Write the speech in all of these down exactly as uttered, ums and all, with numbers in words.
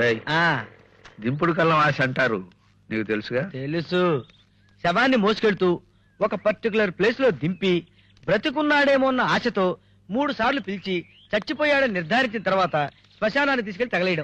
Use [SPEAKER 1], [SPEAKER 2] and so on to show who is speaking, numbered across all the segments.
[SPEAKER 1] దింపుడు కళ్ళం ఆశ అంటారు, నీకు తెలుసుగా?
[SPEAKER 2] తెలుసు. శవాన్ని మోసుకెళ్తూ ఒక పర్టికులర్ ప్లేస్ లో దింపి బ్రతికున్నాడేమో అన్న ఆశతో మూడు సార్లు పిలిచి చచ్చిపోయాడని నిర్ధారించిన తర్వాత శ్మశానాన్ని తీసుకెళ్లి తగలేయడం.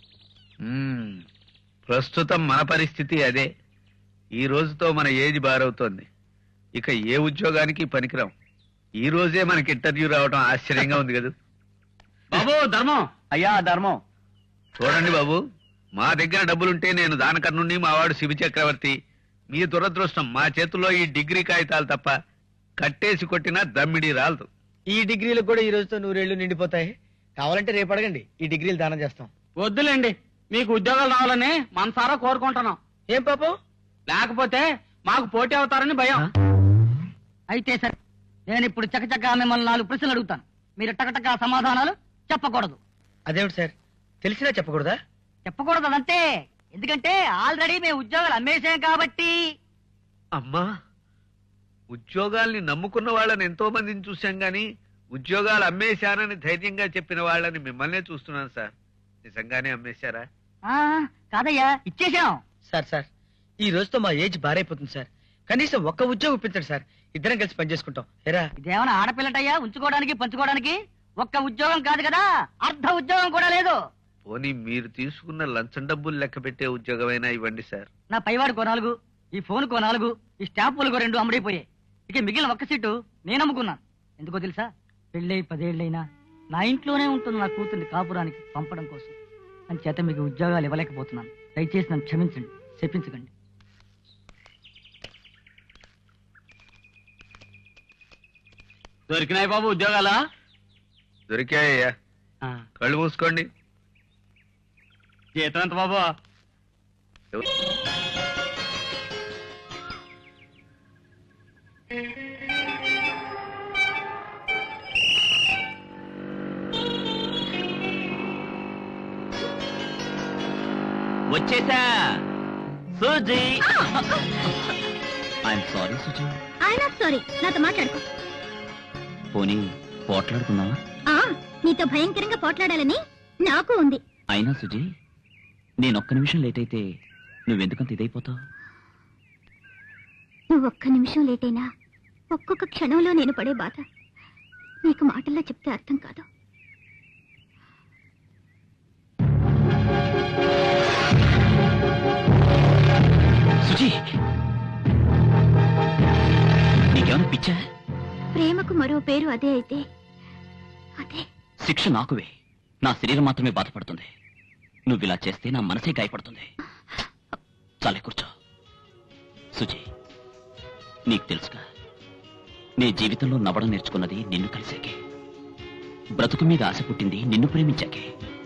[SPEAKER 1] ప్రస్తుతం మన పరిస్థితి అదే. ఈ రోజుతో మన ఏజ్ బారవుతోంది. ఇక ఏ ఉద్యోగానికి పనికిరాం. ఈ రోజే మనకి ఇంటర్వ్యూ రావడం ఆశ్చర్యంగా ఉంది కదా
[SPEAKER 3] బాబు. ధర్మం
[SPEAKER 2] అయ్యా ధర్మం.
[SPEAKER 1] చూడండి బాబు, మా దగ్గర డబ్బులుంటే నేను దానకర్ణుణ్ణి, మా వాడు శివ చక్రవర్తి. మీ దురదృష్టం, మా చేతుల్లో ఈ డిగ్రీ కాగితాలు తప్ప కట్టేసి కొట్టినా దమ్మిడి రాలదు.
[SPEAKER 2] ఈ డిగ్రీలు కూడా ఈ రోజుతో నూరేళ్లు నిండిపోతాయి. కావాలంటే రేపు అడగండి, ఈ డిగ్రీలు దానం చేస్తాం.
[SPEAKER 3] వద్దులేండి, మీకు ఉద్యోగాలు రావాలని మనసారా కోరుకుంటున్నాం.
[SPEAKER 2] ఏం పాపం?
[SPEAKER 3] లేకపోతే మాకు పోటీ అవుతారని భయం.
[SPEAKER 4] అయితే సరే, నేను ఇప్పుడు చకచకా మిమ్మల్ని నాలుగు ప్రశ్నలు అడుగుతాను. మీరు టకటకా సమాధానాలు చెప్పకూడదు.
[SPEAKER 2] అదేమిటి సార్, తెలిసినా చెప్పకూడదా?
[SPEAKER 4] చెప్పకూడదు అదంతే. ఎందుకంటే ఆల్రెడీ మేము ఉద్యోగాలు అమ్మేసాం కాబట్టి.
[SPEAKER 1] అమ్మా, ఉద్యోగాల్ని నమ్ముకున్న వాళ్ళని ఎంతో మందిని చూశాం గాని ఉద్యోగాలు అమ్మేశానని ధైర్యంగా చెప్పిన వాళ్ళని మిమ్మల్నే చూస్తున్నాను సార్. నిజంగానే అమ్మేశారా?
[SPEAKER 4] ఆ కాదయ్యా, ఇచ్చేసాం.
[SPEAKER 2] సార్ సార్ ఈ రోజుతో మా ఏజ్ బారైపోతుంది సార్. కనీసం ఒక్క ఉద్యోగం ఇప్పించండి సార్, ఇద్దరం కలిసి పనిచేసుకుంటాం. ఎరా
[SPEAKER 4] ఇదేమైనా ఆడపిల్లటయ్యా ఉంచుకోవడానికి పంచుకోవడానికి? ఒక్క ఉద్యోగం కాదు కదా, అర్ధ ఉద్యోగం కూడా లేదు.
[SPEAKER 1] పోనీ మీరు తీసుకున్న లంచం డబ్బులు లెక్క పెట్టే ఉద్యోగమైనా ఇవ్వండి సార్.
[SPEAKER 4] నా పైవాడికో నాలుగు, ఈ ఫోన్కో నాలుగు, ఈ స్టాంపులకో రెండు అమ్ముడైపోయాయి. ఇక మిగిలిన ఒక్క సీటు నేను అమ్ముకున్నాను. ఎందుకో తెలుసా? పెళ్ళై పదేళ్లైనా నా ఇంట్లోనే ఉంటుంది నా కూతుర్ని కాపురానికి పంపడం కోసం. అని చేత మీకు ఉద్యోగాలు ఇవ్వలేకపోతున్నాను. దయచేసి నన్ను క్షమించండి, చెప్పించకండి.
[SPEAKER 3] దొరికినాయి బాబు ఉద్యోగాలా?
[SPEAKER 1] దొరికాయ్యా, కళ్ళు మూసుకోండి.
[SPEAKER 3] జీతం ఎంత బాబు?
[SPEAKER 5] వచ్చేసా Suji. I'm sorry Suji.
[SPEAKER 6] I'm sorry, నాతో మాట్లాడుకో.
[SPEAKER 5] పోనీ పోట్లాడుకుందామా?
[SPEAKER 6] నీతో భయంకరంగా పోట్లాడాలని నాకు ఉంది.
[SPEAKER 5] అయినా సుజీ, నేను ఒక్క నిమిషం లేట్ అయితే నువ్వెందుకంత ఇదైపోతావు?
[SPEAKER 6] నువ్వు ఒక్క నిమిషం లేట్ అయినా ఒక్కొక్క క్షణంలో నేను పడే బాధ నీకు మాటల్లో చెప్తే అర్థం కాదు.
[SPEAKER 5] సుజీ, నీకేమైనా పిచ్చా?
[SPEAKER 6] ప్రేమకు మరో పేరు అదే అయితే అదే.
[SPEAKER 5] శిక్ష నాకువే, నా శరీరం మాత్రమే బాధపడుతుంది. నువ్వు ఇలా చేస్తే నా మనసే గాయపడుతుంది. చాలే కూర్చో. సుజీ, నీకు తెలుసుగా, నీ జీవితంలో నవ్వడం నేర్చుకున్నది నిన్ను కలిసాకే. బ్రతుకు మీద ఆశ పుట్టింది నిన్ను ప్రేమించాకే.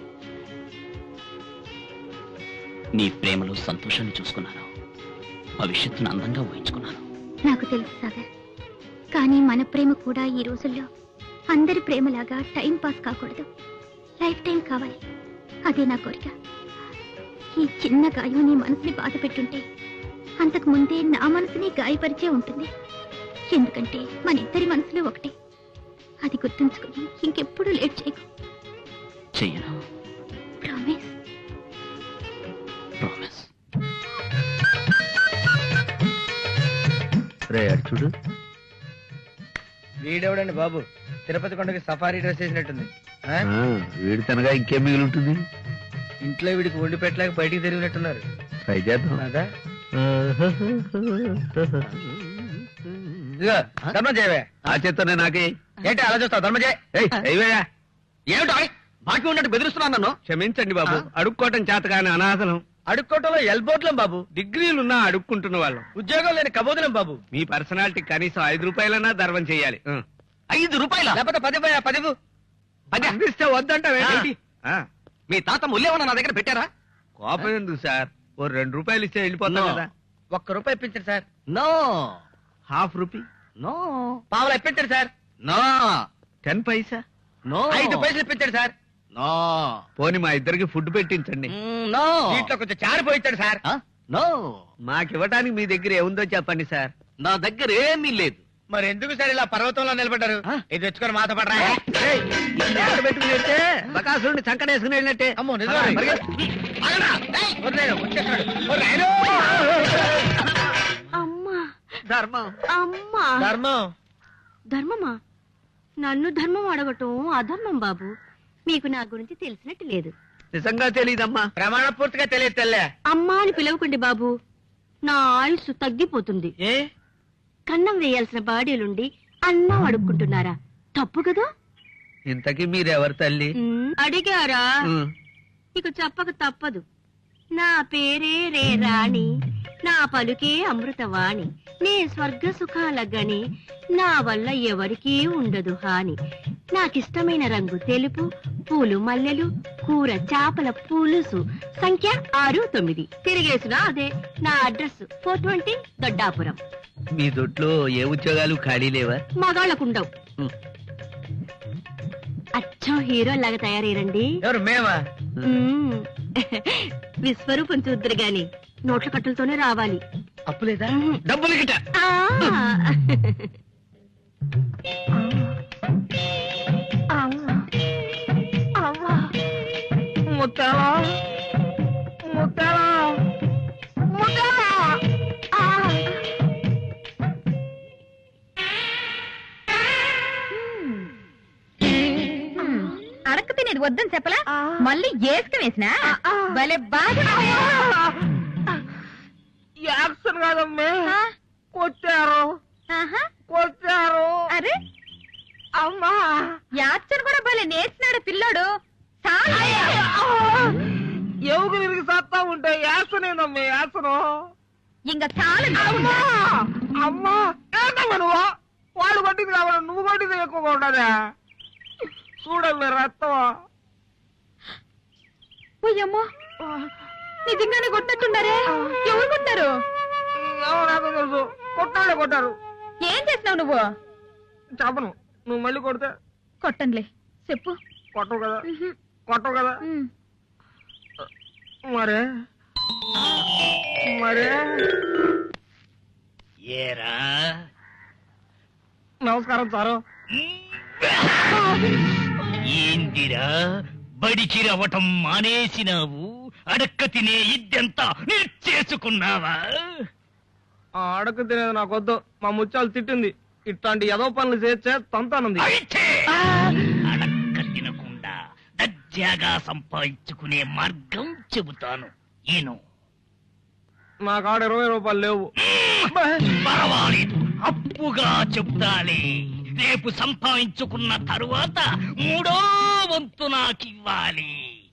[SPEAKER 5] నీ ప్రేమలో సంతోషాన్ని చూసుకున్నాను, భవిష్యత్తును అందంగా ఊహించుకున్నాను.
[SPEAKER 6] నాకు తెలుసు సాగర్, కానీ మన ప్రేమ కూడా ఈ రోజుల్లో అందరి ప్రేమలాగా టైం పాస్ కాకూడదు, లైఫ్ టైం కావాలి. అదే నా కోరిక. ఈ చిన్న గాయం నీ మనసుని బాధ పెట్టుంటే అంతకు ముందే నా మనసుని గాయపరిచే ఉంటుంది. ఎందుకంటే మన ఇద్దరి మనసులు ఒకటే. అది గుర్తుంచుకుని ఇంకెప్పుడు లేట్ చేయకు.
[SPEAKER 5] చెయ్యను.
[SPEAKER 6] ప్రామిస్.
[SPEAKER 5] ప్రామిస్.
[SPEAKER 1] రే అటు చూడు.
[SPEAKER 2] వీడెవడండి బాబు, తిరుపతి కొండకి సఫారీ డ్రెస్ వేసినట్టుంది. ఆ?
[SPEAKER 1] వీడి తనగా ఇంకేం మిగిలి ఉంటుంది?
[SPEAKER 2] ఇంట్లో వీడికి వండి పెట్టలేక బయటికి తిరిగినట్టున్నారు.
[SPEAKER 1] ట్రై చేద్దాం.
[SPEAKER 2] అదా ఇదిగో ధర్మం చేయవే.
[SPEAKER 1] ఆ చేత్తోనే నాకే.
[SPEAKER 2] ఏంటి అలా చూస్తావు? ధర్మం చేయ.
[SPEAKER 3] ఏమిటో బాకీ ఉన్నట్టు బెదిరిస్తున్నాను నన్ను.
[SPEAKER 1] క్షమించండి బాబు, అడుక్కోవటం చేత కానీ అనాథలం.
[SPEAKER 2] అడుక్కోవటంలో ఎల్బోట్లం బాబు,
[SPEAKER 1] డిగ్రీలున్నా అడుక్కుంటున్న వాళ్ళం.
[SPEAKER 2] ఉద్యోగం లేని కబోదులం బాబు.
[SPEAKER 1] మీ పర్సనాలిటీ కనీసం ఐదు రూపాయలన్నా ధర్మం చేయాలి.
[SPEAKER 3] ఐదు రూపాయల
[SPEAKER 2] లేకపోతే పది పదివు
[SPEAKER 3] పది
[SPEAKER 1] అందిస్తే వద్దంటావేంటి?
[SPEAKER 3] మీ తాత ముల్లేమన్నా నా దగ్గర పెట్టారా?
[SPEAKER 1] కోపం ఎందుకు సార్, ఓ రెండు రూపాయలు ఇస్తే వెళ్ళిపోతాం
[SPEAKER 3] No.
[SPEAKER 1] కదా.
[SPEAKER 2] ఒక్క రూపాయి ఇప్పించండి sir.
[SPEAKER 3] No
[SPEAKER 1] half rupee,
[SPEAKER 3] no
[SPEAKER 2] పావులు ఇప్పించండి sir.
[SPEAKER 3] No
[SPEAKER 1] ten paisa,
[SPEAKER 3] no
[SPEAKER 2] ఐదు పైసలు ఇప్పించండి సార్.
[SPEAKER 3] నో
[SPEAKER 1] పోని మా ఇద్దరికి ఫుడ్ పెట్టించండి.
[SPEAKER 3] నో
[SPEAKER 2] దీంట్లో కొంచెం చారు పోయించండి సార్.
[SPEAKER 3] నో
[SPEAKER 1] మాకు ఇవ్వడానికి మీ దగ్గర ఏముందో చెప్పండి సార్.
[SPEAKER 3] నా దగ్గర ఏమీ లేదు.
[SPEAKER 2] మరి ఎందుకు సార్ ఇలా పర్వతంలో నిలబడ్డారు? ఇది తెచ్చుకొని మాతో పడరా.
[SPEAKER 1] పెట్టుకుని వెళ్తే బకాసురుడిని సంకటేసుకుని వెళ్ళినట్టే.
[SPEAKER 2] అమ్మో నిజమే. ఆగరా. ఏయ్, వదిలేయ్, వచ్చేస్తాడు. ఓ రాయుడు.
[SPEAKER 7] అమ్మా
[SPEAKER 1] ధర్మం.
[SPEAKER 7] అమ్మా
[SPEAKER 2] ధర్మం.
[SPEAKER 7] ధర్మమా? నన్ను ధర్మం అడగటం అధర్మం బాబు. మీకు నా గురించి తెలిసినట్టు లేదు.
[SPEAKER 1] నిజంగా తెలీదమ్మా.
[SPEAKER 2] ప్రమాణ పూర్తిగా తెలియదు తెల్లే.
[SPEAKER 7] అమ్మా అని పిలవకండి బాబు. నా ఆయుస్సు తగ్గిపోతుంది.
[SPEAKER 2] ఏ
[SPEAKER 7] కన్నం వేయాల్సిన బాడీలుండి అన్నం అడుక్కుంటున్నారా? తప్పు కదా.
[SPEAKER 1] ఇంతకీ మీరెవరు తల్లి?
[SPEAKER 7] ఉమ్, అడిగారా?
[SPEAKER 1] ఉమ్.
[SPEAKER 7] ఇక చెప్పక తప్పదు. నా పేరే రే రాణి, నా పలుకే అమృతవాణి, నే స్వర్గ సుఖాల గని, నా వల్ల ఎవరికీ ఉండదు హాని. నాకిష్టమైన రంగు తెలుపు, పూలు మల్లెలు, కూర చాపల పులుసు, సంఖ్య ఆరు తొమ్మిది. తిరిగేసిన అదే నా అడ్రస్ ఫోర్ ట్వంటీ దొడ్డాపురం.
[SPEAKER 1] మీ దొడ్లో ఏ ఉద్యోగాలు ఖాళీ లేవా?
[SPEAKER 7] మగాళ్ళకుండవు.
[SPEAKER 1] ఉమ్.
[SPEAKER 7] అచ్చం హీరో లాగా తయారయ్యండి.
[SPEAKER 2] ఎవరు మేమా?
[SPEAKER 7] మ్మ్. విశ్వరూపం చూద్దరు గాని నోట్ల కట్టలతోనే రావాలి.
[SPEAKER 2] అప్పు లేదా?
[SPEAKER 7] మ్మ్.
[SPEAKER 1] డబ్బులు గిట్ట.
[SPEAKER 7] ఆ.
[SPEAKER 2] ముత్తాలా ముత్తాలా ముత్తాలా.
[SPEAKER 6] అడక్క తినేది వద్దని చెప్పలా, మళ్ళీ ఏసుక వేసినా భలే బాగా.
[SPEAKER 2] యాక్షన్ కాదమ్మే, కొట్టారు
[SPEAKER 6] ఆహా,
[SPEAKER 2] కొట్టారు.
[SPEAKER 6] అరే
[SPEAKER 2] అమ్మా
[SPEAKER 6] యాక్షన్ కూడా భలే నేర్చినాడు పిల్లోడు. చాలా
[SPEAKER 2] ఎవరు తిరిగి సత్తా ఉంటే యాక్షన్ ఏందమ్మే యాక్షన్.
[SPEAKER 6] ఇంకా చాలా
[SPEAKER 2] అమ్మా అమ్మా ఏంటమ్మా నువ్వు? వాళ్ళు కొట్టింది కావాలి, నువ్వు కొట్టింది ఎక్కువగా ఉండదా? చూడమ్మే రక్తం.
[SPEAKER 6] పోయమ్మా, నిజంగానే కొట్టినట్టున్నారే. ఎవరు కొట్టారు?
[SPEAKER 2] ఎవరు నాకు తెలుసు, కొట్టాడే కొట్టారు.
[SPEAKER 6] ఏం చేసినావు నువ్వు?
[SPEAKER 2] చెప్పను, నువ్వు మళ్ళీ కొడితే.
[SPEAKER 6] కొట్టనులే, చెప్పు.
[SPEAKER 2] కొట్టవు కదా, కొట్టవు కదా.
[SPEAKER 6] ఉమ్.
[SPEAKER 2] మరే మరే
[SPEAKER 5] ఏరా
[SPEAKER 2] నమస్కారం సారు.
[SPEAKER 5] ఏందిరా బడికి రవ్వటం మానేసినావు? అడక్క తినే ఇద్దెంతా చేసుకున్నావా?
[SPEAKER 2] ఆ అడక తినేది నాకొద్దు, మా ముత్యాలు తిట్టింది. ఇట్లాంటి ఏదో పనులు చేస్తే తంతానుంది.
[SPEAKER 5] అయితే అడక్క తినకుండా దర్జాగా సంపాదించుకునే మార్గం చెబుతాను. ఈను
[SPEAKER 2] నా కాడ ఇరవై రూపాయలు లేవు.
[SPEAKER 5] పర్వాలేదు, అప్పుగా చెప్తాలే. రేపు సంపాదించుకున్న తరువాత మూడో వంతు నాకివ్వాలి.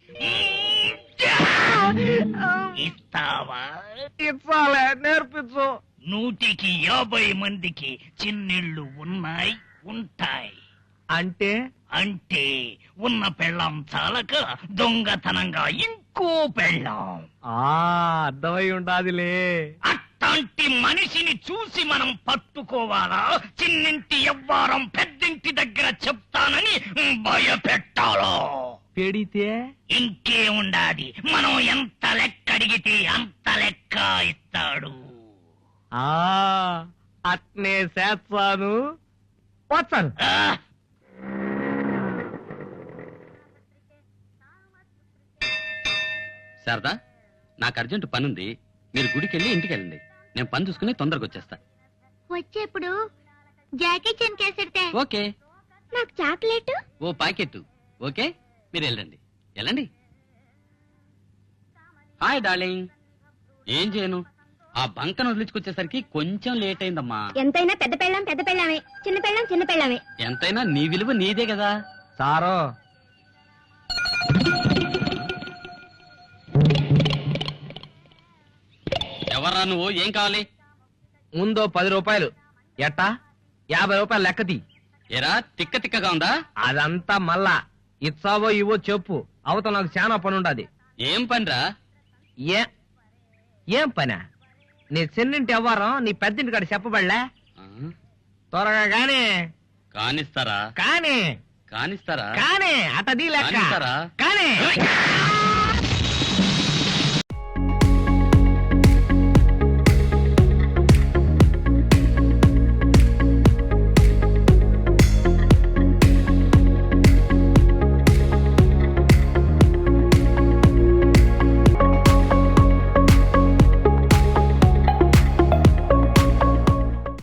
[SPEAKER 5] ఇస్తావా?
[SPEAKER 2] ఇచ్చాలే, నేర్పించు.
[SPEAKER 5] నూటికి యాభై మందికి చిన్నిళ్ళు ఉన్నాయి, ఉంటాయి.
[SPEAKER 2] అంటే
[SPEAKER 5] అంటే ఉన్న పెళ్ళాం చాలక దొంగతనంగా ఇంకో పెళ్ళాం.
[SPEAKER 2] అర్థమై ఉండాదిలే.
[SPEAKER 5] అట్లాంటి మనిషిని చూసి మనం పట్టుకోవాలా? చిన్నింటి ఎవ్వారం పెద్దింటి దగ్గర చెప్తానని భయపెట్టాలో?
[SPEAKER 2] పెడితే
[SPEAKER 5] ఇంకే ఉండాది, మనం ఎంత లెక్క అడిగితే అంత లెక్క ఇస్తాడు.
[SPEAKER 2] ఆ అట్నే చేస్తాను. వచ్చాను.
[SPEAKER 5] ఆ,
[SPEAKER 8] శారదా, నాకు అర్జెంట్ పనుంది. మీరు గుడికి వెళ్ళి ఇంటికి వెళ్ళండి. నేను పని చూసుకుని తొందరగా వచ్చేస్తా.
[SPEAKER 6] వచ్చేప్పుడు జాకీ చెన్ కేసెడితే
[SPEAKER 8] ఓకే.
[SPEAKER 6] నాకు చాక్లెట్.
[SPEAKER 8] ఓ ప్యాకెట్. ఓకే, మీరు వెళ్ళండి వెళ్ళండి. Hi darling. ఏం చేయను, ఆ బంకను వదిలించుకొచ్చేసరికి కొంచెం లేట్ అయిందమ్మా.
[SPEAKER 6] ఎంతైనా పెద్ద పెళ్ళాం పెద్ద పెళ్ళామే, చిన్న పెళ్ళాం చిన్న పెళ్ళామే.
[SPEAKER 8] ఎంతైనా నీ విలువ నీదే కదా.
[SPEAKER 2] సారో
[SPEAKER 8] ఎవర్రా నువ్వు? ఏం కావాలి?
[SPEAKER 2] ముందో పది రూపాయలు. ఎట్టా? యాభై రూపాయలు లెక్కది.
[SPEAKER 8] ఏరా తిక్క తిక్కగా ఉందా?
[SPEAKER 2] అదంతా మళ్ళా ఇచ్చావో ఇవో చెప్పు. అవతల నాకు చాలా పని ఉండదు.
[SPEAKER 8] ఏం పనిరా?
[SPEAKER 2] ఏ ఏం పనా? నీ చిన్నింటి ఎవ్వరం నీ పెద్దింటి కాడ చెప్పబడలే.
[SPEAKER 8] ఆ,
[SPEAKER 2] త్వరగా గానీ
[SPEAKER 8] కానిస్తారా?
[SPEAKER 2] కానీ
[SPEAKER 8] కానిస్తారా?
[SPEAKER 2] కానీ అతది లెక్క
[SPEAKER 8] కానిస్తారా?
[SPEAKER 2] కానీ